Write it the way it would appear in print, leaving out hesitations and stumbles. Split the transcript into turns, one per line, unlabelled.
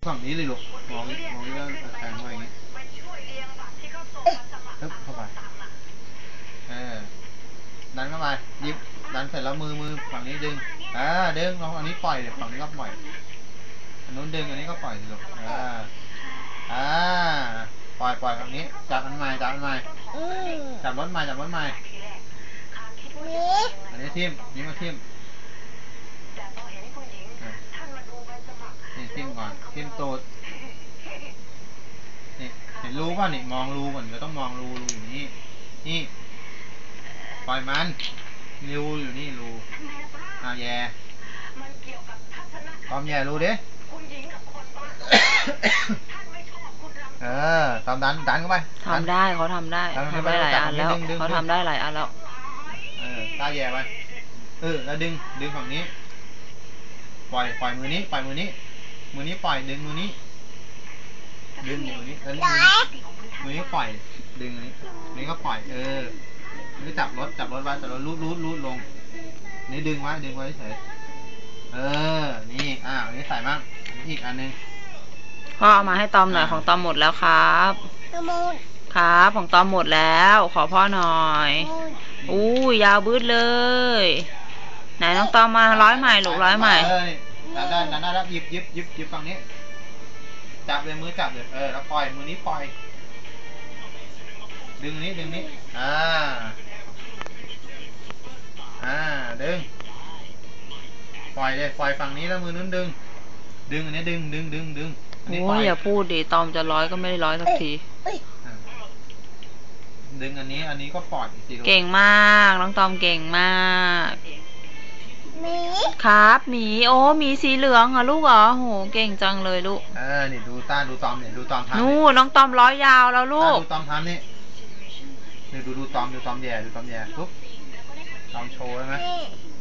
ฝั่งนี้เลยลูกมองเรื่องแทงมาอย่างนี้ปึ๊บเข้าไปดันเข้าไปยิบดันเสร็จแล้วมือฝั่งนี้ดึงดึงลองอันนี้ปล่อยเดี๋ยวฝั่งนี้ก็ปล่อยอันนู้นดึงอันนี้ก็ปล่อยสิลูกปล่อยฝั่งนี้จับอันใหม่จับรถใหม่อันนี้ทิ่มนี่มาทิ่มนี่ทิ่มก่อนทิ่มตูดนี่เห็นรูป่ะนี่มองรูก่อนก็ต้องมองรูอยู่นี่ปล่อยมันรูอยู่นี่รูแย่ตอมแย่รูดิตอมดันเข้าไป
ทำได้เขาทำได้หลายอันแล้วเขาทำได้หลายอันแล้ว
ตาแย่ไปแล้วดึงฝั่งนี้ปล่อยมือนี้ปล่อยดึงมือนี้แล้วมือนี้ปล่อยดึงนี้ก็ปล่อยนี่จับรถไว้แต่เรารูดลงนี่ดึงไว้เฉยนี่นี่ใส่มั่งอีกอันนึง
พ่อเอามาให้ตอมหน่อยของตอมหมดแล้วครับของตอมหมดแล้วขอพ่อหน่อยยาวบืดเลยไหนน้องตอมมาร้อยใหม่ลูกร้อยใหม่
ดันได้แล้วหยิบฝั่งนี้จับเลยมือจับเลยแล้วปล่อยมือนี้ปล่อยดึงนี้ดึงปล่อยเลยปล่อยฝั่งนี้แล้วมือนู้นดึงอันนี้ดึง
อย่าพูดดิตอมจะร้อยก็ไม่ได้ร้อยสักที
ดึงอันนี้ก็ปล่อย
เก่งมากน้องตอมเก่งมากครับหมีหมีสีเหลืองเหรอลูกเหรอโหเก่งจังเลยลูก
นี่ดูตอมเนี่ยดูตอมทำ
น้องตอมร้อยยาวแล้วลูก
ดูตอมทำนี่ดูตอมแย่ปุ๊บตอมโชว์ใช่ไหม